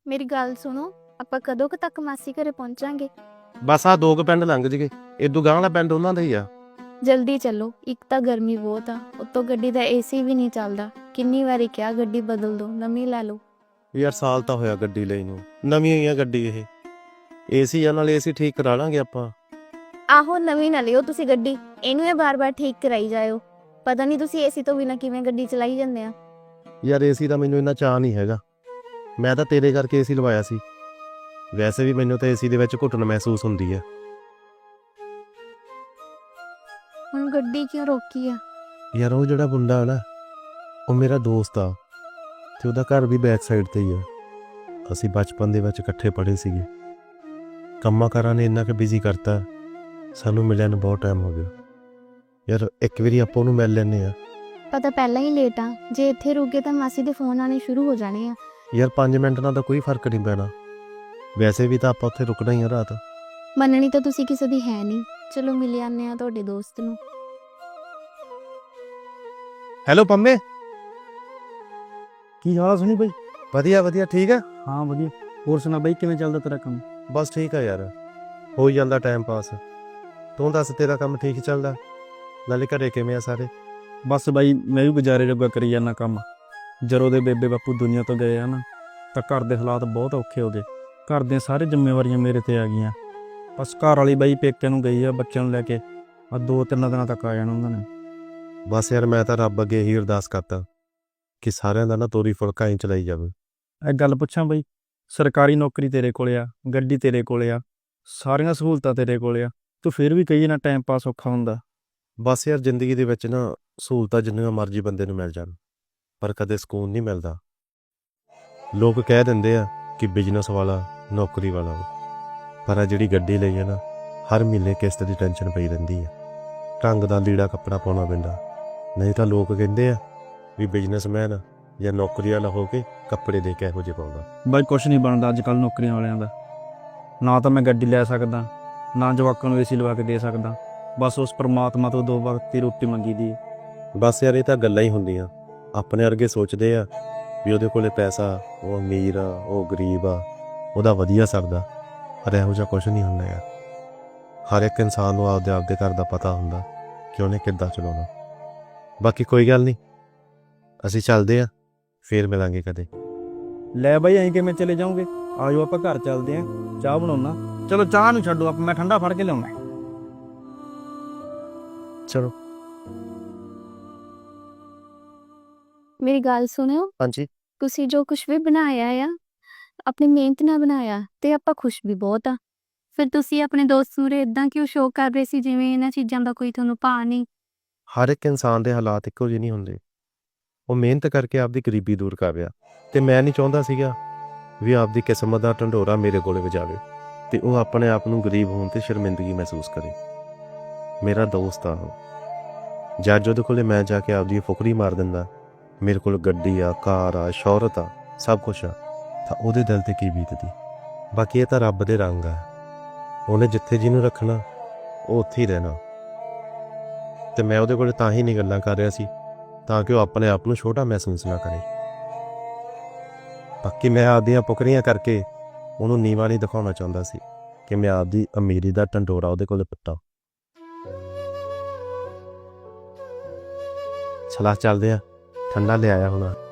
ਮੇਰੀ ਗੱਲ ਸੁਣੋ, ਆਪਾਂ ਕਦੋਂ ਕੁ ਤੱਕ ਮਾਸੀ ਘਰੇ ਪਹੁੰਚਾਂਗੇ? ਬਸ ਆ 2 ਪਿੰਡ ਲੰਘ ਜਗੇ, ਇਦੋਂ ਗਾਂਹ ਵਾਲਾ ਪਿੰਡ ਉਹਨਾਂ ਦਾ ਹੀ ਆ। ਜਲਦੀ ਚੱਲੋ, ਇੱਕ ਤਾਂ ਗਰਮੀ ਬਹੁਤ ਆ, ਉੱਤੋਂ ਗੱਡੀ ਦਾ ਏਸੀ ਵੀ ਨਹੀਂ ਚੱਲਦਾ। ਕਿੰਨੀ ਵਾਰੀ ਕਿਹਾ ਗੱਡੀ ਬਦਲ ਦਿਓ, ਨਵੀਂ ਲੈ ਲਓ। ਯਾਰ ਸਾਲ ਤਾਂ ਹੋਇਆ ਗੱਡੀ ਲਈ ਨੂੰ, ਨਵੀਂ ਹੀ ਆ ਗੱਡੀ ਇਹ। ਏਸੀ ਆ, ਨਾਲ ਏਸੀ ਠੀਕ ਕਰਾ ਲਾਂਗੇ ਆਪਾਂ। ਆਹੋ, ਨਵੀਂ ਨਾ ਲਿਓ ਤੁਸੀਂ ਗੱਡੀ, ਇਹਨੂੰ ਇਹ ਬਾਰ-ਬਾਰ ਠੀਕ ਕਰਾਈ ਜਾਇਓ। ਪਤਾ ਨਹੀਂ ਤੁਸੀਂ ਏਸੀ ਤੋਂ ਬਿਨਾਂ ਕਿਵੇਂ ਗੱਡੀ ਚਲਾਈ ਜਾਂਦੇ ਆ। ਯਾਰ ਏਸੀ ਦਾ ਮੈਨੂੰ ਇੰਨਾ ਚਾਅ ਨਹੀਂ ਹੈਗਾ, ਮੈਂ ਤਾਂ ਤੇਰੇ ਕਰਕੇ ਏਸੀ ਲਵਾਇਆ ਸੀ। ਵੈਸੇ ਵੀ ਮੈਨੂੰ ਤਾਂ ਏਸੀ ਦੇ ਵਿੱਚ ਘੁੱਟਣ ਮਹਿਸੂਸ ਹੁੰਦੀ ਆ। ਹੁਣ ਗੱਡੀ ਕਿਉਂ ਰੋਕੀ ਆ? ਯਾਰ ਉਹ ਜਿਹੜਾ ਮੁੰਡਾ ਨਾ, ਉਹ ਮੇਰਾ ਦੋਸਤ ਆ ਤੇ ਉਹਦਾ ਘਰ ਵੀ ਬੈਕ ਸਾਈਡ ਤੇ ਹੀ ਆ। ਅਸੀਂ ਬਚਪਨ ਦੇ ਵਿੱਚ ਇਕੱਠੇ ਪੜ੍ਹੇ ਸੀਗੇ। ਕੰਮਾਂ ਕਾਰਾਂ ਨੇ ਇੰਨਾ ਕੁ ਬਿਜ਼ੀ ਕਰਤਾ, ਸਾਨੂੰ ਮਿਲਿਆ ਨੂੰ ਬਹੁਤ ਟਾਈਮ ਹੋ ਗਿਆ। ਯਾਰ ਇੱਕ ਵਾਰੀ ਆਪਾਂ ਉਹਨੂੰ ਮਿਲ ਲੈਂਦੇ ਆ। ਪਤਾ ਪਹਿਲਾਂ ਹੀ ਲੇਟ ਆ, ਜੇ ਇੱਥੇ ਰੁਕੇ ਤਾਂ ਮਾਸੀ ਦੇ ਫੋਨ ਆਣੇ ਸ਼ੁਰੂ ਹੋ ਜਾਣੇ ਆ। ਯਾਰ 5 ਮਿੰਟ ਨਾਲ ਤਾਂ ਕੋਈ ਫਰਕ ਨਹੀਂ ਪੈਣਾ, ਵੈਸੇ ਵੀ ਤਾਂ ਆਪਾਂ ਉੱਥੇ ਰੁਕਣਾ ਹੀ ਆ ਰਾਤ। ਮੰਨਣੀ ਤਾਂ ਤੁਸੀਂ ਕਿਸੇ ਦੀ ਹੈ ਨਹੀਂ। ਚਲੋ ਮਿਲ ਆਨੇ ਆ ਤੁਹਾਡੇ ਦੋਸਤ ਨੂੰ। ਹੈਲੋ ਪੰਮੇ, ਕੀ ਹਾਲ ਆ ਸੁਣੀ ਬਾਈ? ਵਧੀਆ ਵਧੀਆ, ਠੀਕ ਆ। ਹਾਂ ਵਧੀਆ। ਹੋਰ ਸੁਣਾ ਬਾਈ, ਕਿਵੇਂ ਚੱਲਦਾ ਤੇਰਾ ਕੰਮ? ਬਸ ਠੀਕ ਆ ਯਾਰ, ਹੋ ਜਾਂਦਾ ਟਾਈਮ ਪਾਸ। ਤੂੰ ਦੱਸ, ਤੇਰਾ ਕੰਮ ਠੀਕ ਚੱਲਦਾ? ਨਾਲੇ ਘਰੇ ਕਿਵੇਂ ਆ ਸਾਰੇ? ਬਸ ਬਾਈ, ਮੈਂ ਵੀ ਗੁਜ਼ਾਰੇ ਜੋਗਾ ਕਰੀ ਜਾਂਦਾ ਕੰਮ। ਜਦੋਂ ਦੇ ਬੇਬੇ ਬਾਪੂ ਦੁਨੀਆ ਤੋਂ ਗਏ ਆ ਨਾ, ਤਾਂ ਘਰ ਦੇ ਹਾਲਾਤ ਬਹੁਤ ਔਖੇ ਹੋ ਗਏ। ਘਰ ਦੀਆਂ ਸਾਰੇ ਜ਼ਿੰਮੇਵਾਰੀਆਂ ਮੇਰੇ ਤੇ ਆ ਗਈਆਂ। ਬਸ ਘਰ ਵਾਲੀ ਬਾਈ ਪੇਕੇ ਨੂੰ ਗਈ ਆ ਬੱਚਿਆਂ ਨੂੰ ਲੈ ਕੇ, ਆ 2-3 ਦਿਨਾਂ ਤੱਕ ਆ ਜਾਣਾ ਉਹਨਾਂ ਨੇ। ਬਸ ਯਾਰ ਮੈਂ ਤਾਂ ਰੱਬ ਅੱਗੇ ਇਹੀ ਅਰਦਾਸ ਕਰਦਾ ਕਿ ਸਾਰਿਆਂ ਦਾ ਨਾ ਤੋਰੀ ਫੁਲਕਾ ਹੀ ਚਲਾਈ ਜਾਵੇ। ਇਹ ਗੱਲ ਪੁੱਛਾਂ ਬਾਈ, ਸਰਕਾਰੀ ਨੌਕਰੀ ਤੇਰੇ ਕੋਲੇ ਆ, ਗੱਡੀ ਤੇਰੇ ਕੋਲੇ ਆ, ਸਾਰੀਆਂ ਸਹੂਲਤਾਂ ਤੇਰੇ ਕੋਲੇ ਆ, ਤੂੰ ਫਿਰ ਵੀ ਕਹੀ ਨਾ ਟਾਈਮ ਪਾਸ ਔਖਾ ਹੁੰਦਾ। ਬਸ ਯਾਰ ਜ਼ਿੰਦਗੀ ਦੇ ਵਿੱਚ ਨਾ ਸਹੂਲਤਾਂ ਜਿੰਨੀਆਂ ਮਰਜ਼ੀ ਬੰਦੇ ਨੂੰ ਮਿਲ ਜਾਣ, ਪਰ ਕਦੇ ਸਕੂਨ ਨਹੀਂ ਮਿਲਦਾ। ਲੋਕ ਕਹਿ ਦਿੰਦੇ ਆ ਕਿ ਬਿਜ਼ਨਸ ਵਾਲਾ ਨੌਕਰੀ ਵਾਲਾ ਵਾ, ਪਰ ਆ ਜਿਹੜੀ ਗੱਡੀ ਲਈ ਹੈ ਨਾ, ਹਰ ਮਹੀਨੇ ਕਿਸ਼ਤ ਦੀ ਟੈਨਸ਼ਨ ਪਈ ਰਹਿੰਦੀ ਆ। ਢੰਗ ਦਾ ਲੀੜਾ ਕੱਪੜਾ ਪਾਉਣਾ ਪੈਂਦਾ, ਨਹੀਂ ਤਾਂ ਲੋਕ ਕਹਿੰਦੇ ਆ ਵੀ ਬਿਜ਼ਨਸਮੈਨ ਜਾਂ ਨੌਕਰੀ ਵਾਲਾ ਹੋ ਕੇ ਕੱਪੜੇ ਦੇ ਕੇ ਇਹੋ ਜਿਹੇ ਪਾਉਂਦਾ। ਬਾਈ ਕੁਛ ਨਹੀਂ ਬਣਦਾ ਅੱਜ ਕੱਲ੍ਹ ਨੌਕਰੀਆਂ ਵਾਲਿਆਂ ਦਾ। ਨਾ ਤਾਂ ਮੈਂ ਗੱਡੀ ਲੈ ਸਕਦਾ, ਨਾ ਜਵਾਕਾਂ ਨੂੰ ਏਸੀ ਲਵਾ ਕੇ ਦੇ ਸਕਦਾ। ਬਸ ਉਸ ਪਰਮਾਤਮਾ ਤੋਂ 2 ਵਕਤ ਦੀ ਰੋਟੀ ਮੰਗੀ ਦੀ। ਬਸ ਯਾਰ ਇਹ ਤਾਂ ਗੱਲਾਂ ਹੀ ਹੁੰਦੀਆਂ। ਆਪਣੇ ਵਰਗੇ ਸੋਚਦੇ ਆ ਵੀ ਉਹਦੇ ਕੋਲੇ ਪੈਸਾ, ਉਹ ਅਮੀਰ ਆ, ਉਹ ਗਰੀਬ ਆ, ਉਹਦਾ ਵਧੀਆ ਸਰਦਾ। ਪਰ ਇਹੋ ਜਿਹਾ ਕੁਛ ਨਹੀਂ ਹੁੰਦਾ ਯਾਰ। ਹਰ ਇੱਕ ਇਨਸਾਨ ਨੂੰ ਆਪਦੇ ਘਰ ਦਾ ਪਤਾ ਹੁੰਦਾ ਕਿ ਉਹਨੇ ਕਿੱਦਾਂ ਚਲਾਉਣਾ। ਬਾਕੀ ਕੋਈ ਗੱਲ ਨਹੀਂ, ਅਸੀਂ ਚੱਲਦੇ ਆ, ਫੇਰ ਮਿਲਾਂਗੇ ਕਦੇ। ਲੈ ਬਾਈ, ਐਂ ਕਿਵੇਂ ਚਲੇ ਜਾਓਗੇ? ਆਜੋ ਆਪਾਂ ਘਰ ਚੱਲਦੇ ਆਂ, ਚਾਹ ਬਣਾਉਣਾ। ਚਲੋ ਚਾਹ ਨੂੰ ਛੱਡੋ, ਮੈਂ ਠੰਡਾ ਫੜ ਕੇ ਲਿਆਉਣਾ। ਚਲੋ। ਮੇਰੀ ਗੱਲ ਸੁਣਿਓ, ਹਾਂਜੀ। ਤੁਸੀਂ ਜੋ ਕੁਝ ਵੀ ਬਣਾਇਆ ਆ, ਆਪਣੀ ਮਿਹਨਤ ਨਾਲ ਬਣਾਇਆ ਤੇ ਆਪਾਂ ਖੁਸ਼ ਵੀ ਬਹੁਤ ਆ। ਫਿਰ ਤੁਸੀਂ ਆਪਣੇ ਦੋਸਤ ਨੂੰ ਇਦਾਂ ਕਿਉਂ ਸ਼ੋਅ ਕਰ ਰਹੇ ਸੀ ਜਿਵੇਂ ਇਹਨਾਂ ਚੀਜ਼ਾਂ ਦਾ ਕੋਈ ਤੁਹਾਨੂੰ ਭਾਅ ਨਹੀਂ? ਹਰ ਇੱਕ ਇਨਸਾਨ ਦੇ ਹਾਲਾਤ ਇੱਕੋ ਜਿਹੇ ਨਹੀਂ ਹੁੰਦੇ। ਉਹ ਮਿਹਨਤ ਕਰਕੇ ਆਪਦੀ ਗਰੀਬੀ ਦੂਰ ਕਰ ਰਿਹਾ, ਤੇ ਮੈਂ ਨਹੀਂ ਚਾਹੁੰਦਾ ਸੀਗਾ ਵੀ ਆਪਦੀ ਕਿਸਮਤ ਦਾ ਢੰਡੋਰਾ ਮੇਰੇ ਕੋਲੇ ਵਜਾਵੇ ਤੇ ਉਹ ਆਪਣੇ ਆਪ ਨੂੰ ਗਰੀਬ ਹੋਣ ਤੇ ਸ਼ਰਮਿੰਦਗੀ ਮਹਿਸੂਸ ਕਰੇ। ਮੇਰਾ ਦੋਸਤ ਆ ਉਹ। ਜਦ ਉਹਦੇ ਕੋਲੇ ਮੈਂ ਜਾ ਕੇ ਆਪਦੀ ਫੁਕਰੀ ਮਾਰ ਦਿੰਦਾ, ਮੇਰੇ ਕੋਲ ਗੱਡੀ ਆ, ਕਾਰ ਆ, ਸ਼ੌਹਰਤ ਆ, ਸਭ ਕੁਛ ਆ, ਤਾਂ ਉਹਦੇ ਦਿਲ ਤੇ ਕੀ ਬੀਤਦੀ। ਬਾਕੀ ਇਹ ਤਾਂ ਰੱਬ ਦੇ ਰੰਗ ਆ। ਉਹਨੇ ਜਿੱਥੇ ਜਿਹਨੂੰ ਰੱਖਣਾ ਉਹ ਉੱਥੇ ਹੀ ਰਹਿਣਾ। ਤੇ ਮੈਂ ਉਹਦੇ ਕੋਲ ਤਾਂ ਹੀ ਨਹੀਂ ਗੱਲਾਂ ਕਰ ਰਿਹਾ ਸੀ ਤਾਂ ਕਿ ਉਹ ਆਪਣੇ ਆਪ ਨੂੰ ਛੋਟਾ ਮਹਿਸੂਸ ਨਾ ਕਰੇ। ਬਾਕੀ ਮੈਂ ਆਪਦੀਆਂ ਫੁਕਰੀਆਂ ਕਰਕੇ ਉਹਨੂੰ ਨੀਵਾਂ ਨਹੀਂ ਦਿਖਾਉਣਾ ਚਾਹੁੰਦਾ ਸੀ ਕਿ ਮੈਂ ਆਪਦੀ ਅਮੀਰੀ ਦਾ ਢੰਡੋਰਾ ਉਹਦੇ ਕੋਲ ਪਿੱਟਾਂ। ਚਲਾ ਚੱਲਦੇ ਆ, ਠੰਡਾ ਲਿਆਇਆ ਹੁਣ।